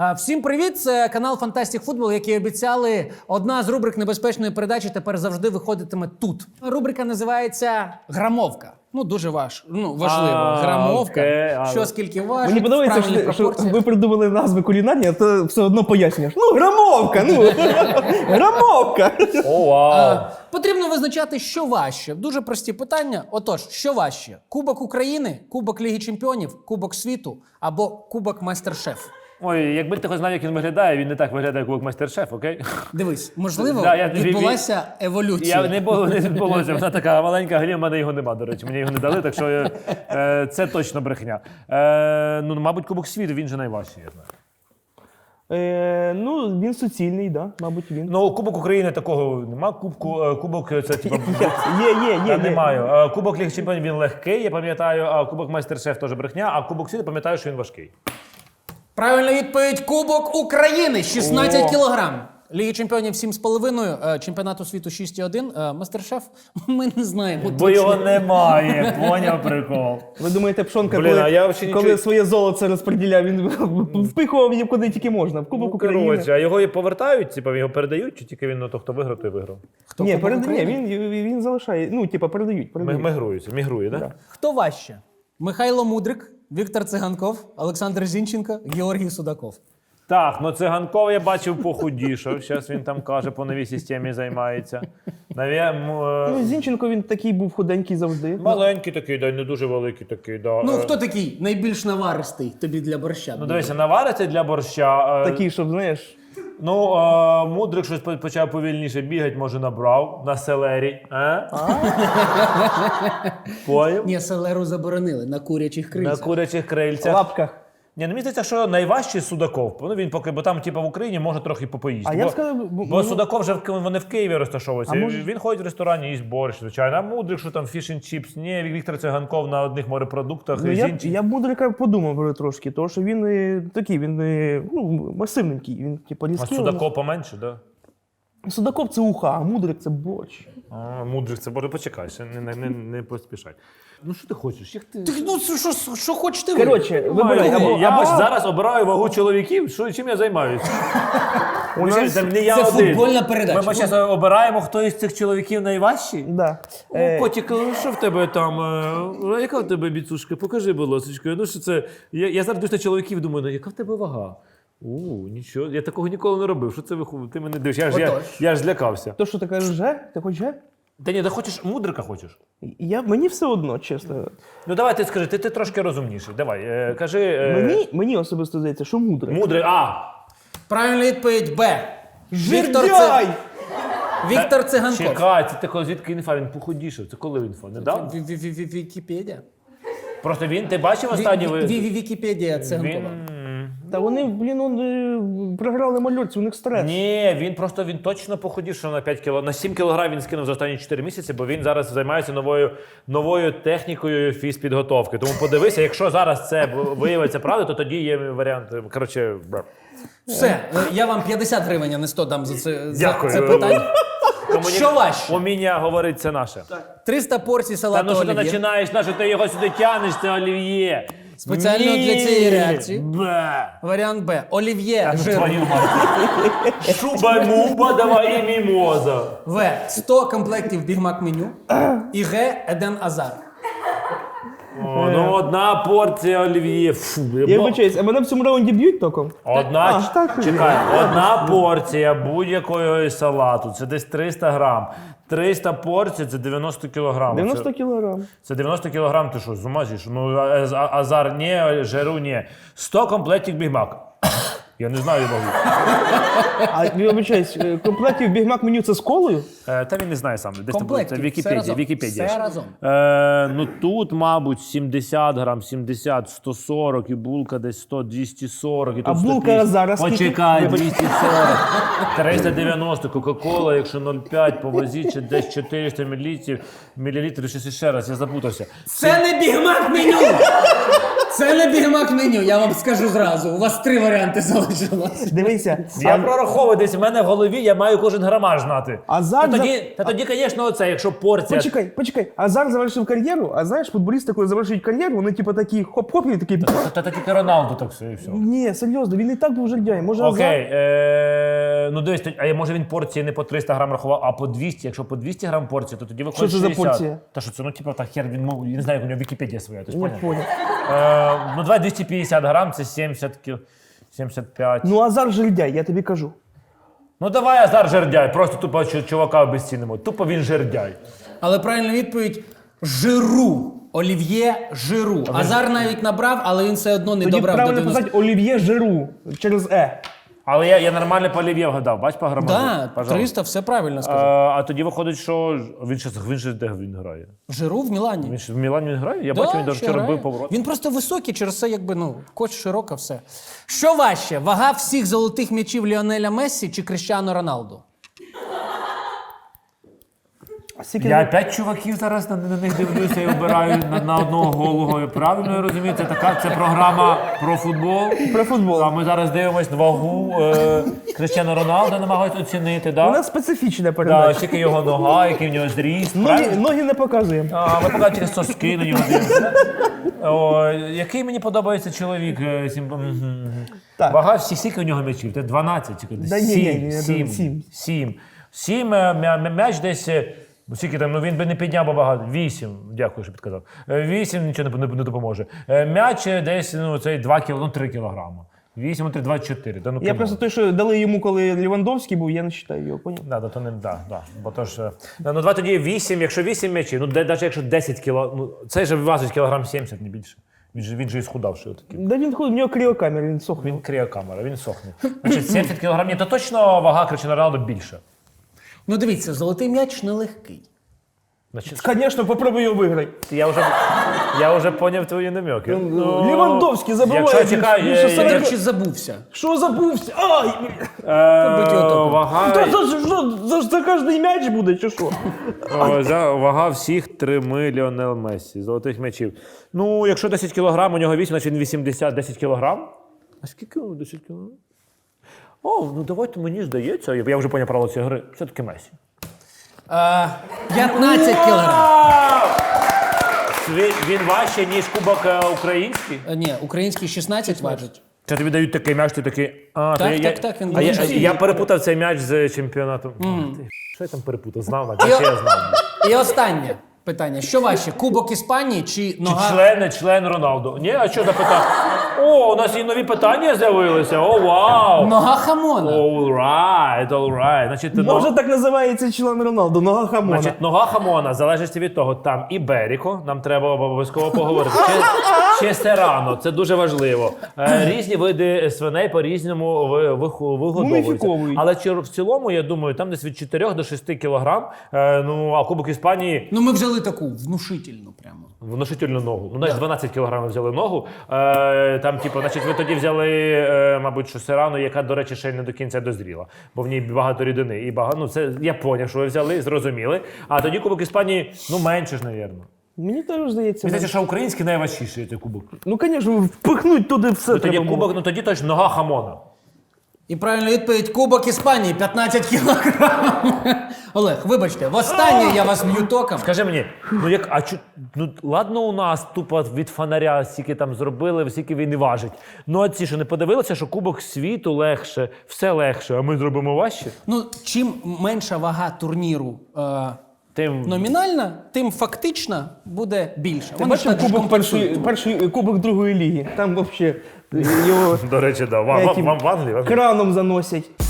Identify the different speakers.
Speaker 1: Всім привіт! Це канал Фантастик Футбол, який обіцяли. Одна з рубрик небезпечної передачі тепер завжди виходитиме тут. Рубрика називається «Грамовка». Ну, дуже важливо. Грамовка. Що скільки важить,
Speaker 2: мені подобається, що ви придумали назви кулінарні, а то все одно пояснюєш. Ну, грамовка, грамовка.
Speaker 3: О, вау.
Speaker 1: Потрібно визначати, що важче. Дуже прості питання. Отож, що важче? Кубок України, Кубок Ліги Чемпіонів, Кубок світу або Кубок Майстер-шеф?
Speaker 3: Ой, якби ти хоч знав, як він виглядає, він не так виглядає, як Майстер-шеф, окей?
Speaker 1: Дивись, можливо,
Speaker 3: Да,
Speaker 1: відбулася еволюція.
Speaker 3: Не відбулося, вона така маленька грі, в мене його нема, до речі, мені його не дали, так що це точно брехня. Мабуть, Кубок світу, він же найважчий, я знаю.
Speaker 2: Він суцільний, да, мабуть, він.
Speaker 3: Ну, Кубок України такого нема, Кубок це типа...
Speaker 2: Є.
Speaker 3: Немає. Кубок Ліги Чемпіонів він легкий, я пам'ятаю, а Кубок Майстер-шеф теж брехня, а Кубок світу пам'ятаю, що він важкий.
Speaker 1: Правильна відповідь – Кубок України, 16 кілограм. Ліги чемпіонів 7,5, чемпіонату світу 6,1. Мастер-шеф ми не знаємо.
Speaker 3: Бо його немає, поняв прикол.
Speaker 2: Ви думаєте, Пшонка,
Speaker 3: коли
Speaker 2: своє золото розподіляв, він впихував її куди тільки можна, в Кубок України.
Speaker 3: А його і повертають, типу, його передають, чи тільки він, хто виграв, той виграв?
Speaker 2: Ні, він залишає, передають.
Speaker 3: Мігрує, так? Да?
Speaker 1: Хто важче? Михайло Мудрик, Віктор Циганков, Олександр Зінченко, Георгій Судаков.
Speaker 3: Так, Циганков я бачив похудішав, зараз він там каже, по новій системі займається.
Speaker 2: Зінченко він такий був худенький завжди.
Speaker 3: Маленький такий, да, не дуже великий такий, да.
Speaker 1: Ну, хто такий найбільш наваристий тобі для борща?
Speaker 3: Ну, дивися, навариться для борща.
Speaker 2: Такий, щоб, знаєш...
Speaker 3: Мудрик щось почав повільніше бігати, може набрав на селері. Поняв?
Speaker 1: Ні, селеру заборонили на курячих крильцях.
Speaker 3: На курячих крильцях.
Speaker 2: Лапках.
Speaker 3: Ні, мені здається, що найважчий Судаков. Ну, він поки, бо там, типу, в Україні може трохи попоїсти.
Speaker 2: Я б сказав,
Speaker 3: бо Судаков вже вони в Києві розташовуються. Він ходить в ресторані, їсть борщ, звичайно. А Мудрик, що там фіш н чіпс. Ні, Віктор Циганков на одних морепродуктах.
Speaker 2: Я б Мудрика подумав трошки, тому що він такий, масивненький. Він, типу, різкий.
Speaker 3: А Судаков поменше, так? Да?
Speaker 2: Судаков це уха, а Мудрик це борщ.
Speaker 3: Мудрик це борщ. Почекай, ще не поспішай. Ну що ти хочеш?
Speaker 1: Що хочеш ти?
Speaker 2: Коротше, вибирай.
Speaker 3: Я зараз обираю вагу чоловіків, чим я займаюся.
Speaker 1: Це футбольна передача.
Speaker 3: Ми зараз обираємо, хто із цих чоловіків найважчий?
Speaker 2: Да.
Speaker 3: Котик, що в тебе там? Яка в тебе біцушка? Покажи, будь ласка. Ну що це? Я зараз дивлюсь на чоловіків, думаю, яка в тебе вага? Нічого, я такого ніколи не робив. Що це ти мене дивишся? Я ж злякався.
Speaker 2: То що ти кажеш, Ти хочеш же?
Speaker 3: Та ні, ти хочеш Мудрика хочеш?
Speaker 2: Мені все одно, чесно.
Speaker 3: Ну давай ти скажи, ти трошки розумніший. Давай, кажи.
Speaker 2: Мені особисто здається, що Мудрик.
Speaker 3: Мудрик,
Speaker 1: Правильна відповідь Б. Віктор Циганков.
Speaker 3: Чекай, це звідки інфа? Він похудішав. Це коли інфа? Недавно?
Speaker 1: Вікіпедія.
Speaker 3: Просто ти бачив останній...
Speaker 1: Вікіпедія Циганкова.
Speaker 2: Та вони, програли мальорці, у них стрес.
Speaker 3: Ні, він точно похудішав на 5 кг. На 7 кг він скинув за останні 4 місяці, бо він зараз займається новою технікою фізпідготовки. Тому подивися, якщо зараз це виявиться правда, то тоді є варіант. Коротше,
Speaker 1: все, я вам 50 гривень, а не 100 дам за це питання. Що важче?
Speaker 3: Уміння говорить, це наше.
Speaker 1: 300 порцій салату олів'є.
Speaker 3: Та ну що ти починаєш, на що ти його сюди тянеш, це олів'є.
Speaker 1: Спеціально для цієї реакції. Варіант Б. Олів'є жирне.
Speaker 3: Шуба-муба, давай і мімоза.
Speaker 1: В. 100 комплектів бігмак меню. І Г. Еден Азар.
Speaker 3: Одна порція олів'є.
Speaker 2: Я вибачаюсь, а мене в цьому раунді б'ють током?
Speaker 3: Одна порція будь-якого салату, це десь 300 грам. 300 порцій – це 90 кілограм.
Speaker 2: 90 кілограм.
Speaker 3: Це 90 кілограм, ти що, з ума зійш? Ну, азар ні, жиру ні. 100 комплектів бігмак. Я не знаю вагу.
Speaker 2: А я вибачаюсь, комплектів бігмак меню це з колою?
Speaker 3: Та він не знає сам.
Speaker 1: Комплектів,
Speaker 3: Вікіпедія.
Speaker 1: Все разом.
Speaker 3: Ну тут, мабуть, 70 грам, 70, 140, і булка десь 100, 240. І тут
Speaker 2: а булка зараз скільки?
Speaker 3: Почекай, 240, 390, Кока-Кола, якщо 0,5, повозіть, ще десь 400 мілілітрів, ще раз, я запутався.
Speaker 1: Це не бігмак меню! Це не бігмак меню, я вам скажу зразу. У вас 3 варіанти залишилось. налагодилась.
Speaker 2: Дивися.
Speaker 3: Я прораховую десь в мене в голові, я маю кожен грамаж знати.
Speaker 2: Азар
Speaker 3: Тоді, звісно, оце, якщо порція.
Speaker 2: Почекай. Азар завершив кар'єру, а знаєш, футболісти, коли завершують кар'єру, вони типу такі хоп-хоп і такі.
Speaker 3: Та тільки Роналду так все і все.
Speaker 2: Ні, серйозно, він і так був жердяй. Може,
Speaker 3: Окей, ну дивись, а може він порції не по 300 грам рахував, а по 200. Якщо по 200 грам порції, то тоді виходить
Speaker 2: Що це за
Speaker 3: 60.
Speaker 2: порція?
Speaker 3: Та що це, ну типу, так хер, він, ну, я не знаю, як у нього Вікіпедія своя, ти ж
Speaker 2: Не
Speaker 3: поняв?
Speaker 2: понял.
Speaker 3: Ну давай 250 грам, це 70 кіл, 75.
Speaker 2: Ну, Азар жердяй, я тобі кажу.
Speaker 3: Ну давай Азар жердяй, просто тупо чувака обезцінимо. Тупо він жердяй.
Speaker 1: Але правильна відповідь Жиру. Олів'є Жиру. Азар навіть набрав, але він все одно не
Speaker 2: Тоді
Speaker 1: добрав до
Speaker 2: правильно
Speaker 1: 90.
Speaker 2: писати Олів'є Жиру через Е.
Speaker 3: Але я нормально по Олів'є вгадав, бач по грамажу?
Speaker 1: Да,
Speaker 3: Пожалуйста.
Speaker 1: 300, все правильно сказав.
Speaker 3: А тоді виходить, що він ще де він грає?
Speaker 1: Жиру в Мілані.
Speaker 3: Він ще в Мілані він грає? Я
Speaker 1: Да,
Speaker 3: бачу, він даже
Speaker 1: ще
Speaker 3: вчора
Speaker 1: грає.
Speaker 3: бив поворот.
Speaker 1: Він просто високий, через це якби, ну, коч широка, все. Що важче, вага всіх золотих м'ячів Ліонеля Мессі чи Кріштіану Роналду?
Speaker 2: А скільки
Speaker 3: Я 5 чуваків зараз на них дивлюся і обираю на одного голого. Правильно я розумію? Це програма про футбол.
Speaker 2: про футбол?
Speaker 3: А ми зараз дивимось вагу Кріштіану Роналду, намагаються оцінити,
Speaker 2: У нас
Speaker 3: да?
Speaker 2: специфічна
Speaker 3: Да,
Speaker 2: передача.
Speaker 3: скільки його нога, який в нього зріст.
Speaker 2: Ноги не показуємо.
Speaker 3: А, ми поки через соски на нього дивимося. О, який мені подобається чоловік?
Speaker 2: Так.
Speaker 3: Вага всіх, скільки у нього м'ячів? Це 12?
Speaker 2: Да ні, я думаю, 7.
Speaker 3: 7 м'яч десь... Скільки там, ну він би не підняв би багато. 8, дякую, що підказав. 8 нічого не допоможе. М'яч десь, ну, цей 3 кілограми. 8, 3, 24. Да, ну,
Speaker 2: Я просто той, що дали йому, коли Лівандовський був, я не вважаю його, поняв?
Speaker 3: Да, то не, да. Бо то ж, ну, давай тоді 8, якщо 8 м'ячів, ну, навіть якщо 10 кіло, ну, цей же важить кілограм 70, не більше. Він же і схудавший отакий.
Speaker 2: Да він ходить, у нього кріокамера, він сохне.
Speaker 3: Він кріокамера, він сохне. Значить, 70 кілограм, ні, то точно вага Кріштіану Роналду більша.
Speaker 1: Ну дивіться, золотий м'яч нелегкий.
Speaker 3: Значить,
Speaker 2: Звісно, попробуй його виграти.
Speaker 3: я вже поняв твої намеки.
Speaker 2: Лівандовський забиває.
Speaker 3: Якщо чекай,
Speaker 2: більше 40.
Speaker 1: Я чи забувся?
Speaker 2: Що забувся? Ай!
Speaker 1: Побить його током.
Speaker 3: Вага,
Speaker 2: За кожний м'яч буде, чи що?
Speaker 3: вага всіх 3 Ліонел Мессі, золотих м'ячів. Ну, якщо 10 кілограм, у нього 8, значить він 80, 10 кілограм. А скільки 10 кілограм? О, ну давайте мені здається, я вже поняв правила цієї гри, все-таки Мессі.
Speaker 1: 15 кілограм.
Speaker 3: Він важче, ніж кубок український?
Speaker 1: Ні, український 16 важить.
Speaker 3: Це тобі дають такий м'яч, ти такий.
Speaker 1: Так, він
Speaker 3: Я перепутав цей м'яч з чемпіонатом. Що я там перепутав? Знав, наче я знав.
Speaker 1: І останнє питання. Що важче, Кубок Іспанії чи
Speaker 3: Чи
Speaker 1: нога?
Speaker 3: член Роналду? Ні, а що запитав? О, у нас і нові питання з'явилися. О, вау!
Speaker 1: Нога хамона.
Speaker 3: All right. Значить,
Speaker 2: Може так називається член Роналду, нога хамона.
Speaker 3: Значить, нога хамона, залежить від того, там і Беріко, нам треба обов'язково поговорити, чи Серано, це дуже важливо. Різні види свиней по-різному вигодовуються.
Speaker 2: Муміфіковують.
Speaker 3: Але в цілому, я думаю, там десь від 4 до 6 кілограм, ну, а Кубок Іспанії
Speaker 1: Ну ми взяли таку внушительну прямо.
Speaker 3: внушительну ногу. Ну, навіть 12 кілограмів взяли ногу. Там, типу, значить, ви тоді взяли, мабуть, що Серано, яка, до речі, ще не до кінця дозріла, бо в ній багато рідини. І багато, ну, це я поняв, що ви взяли, зрозуміли. А тоді Кубок Іспанії, ну, менше ж, навірно.
Speaker 2: Мені теж здається.
Speaker 3: Мені здається, що український найважчіший цей кубок.
Speaker 2: Ну, звісно, впихнуть туди все.
Speaker 3: Ну, тоді
Speaker 2: треба було.
Speaker 3: кубок, ну тоді точно нога хамона.
Speaker 1: І правильна відповідь Кубок Іспанії 15 кілограм. Олег, вибачте, востаннє я вас б'ю током.
Speaker 3: Скажи мені, ну як, ну ладно, у нас тупо від фонаря стільки там зробили, стільки він і важить. Ну а ці що не подивилися, що Кубок світу легше, все легше, а ми зробимо важче?
Speaker 1: Ну, чим менша вага турніру
Speaker 3: Тим
Speaker 1: номінальна, тим фактично буде більше.
Speaker 2: Ти
Speaker 1: Вони ж
Speaker 2: бачив
Speaker 1: так же
Speaker 2: кубок
Speaker 1: компенсують.
Speaker 2: перший кубок другої ліги? Там взагалі його
Speaker 3: до речі, да. Вам в Англії?
Speaker 2: краном заносять.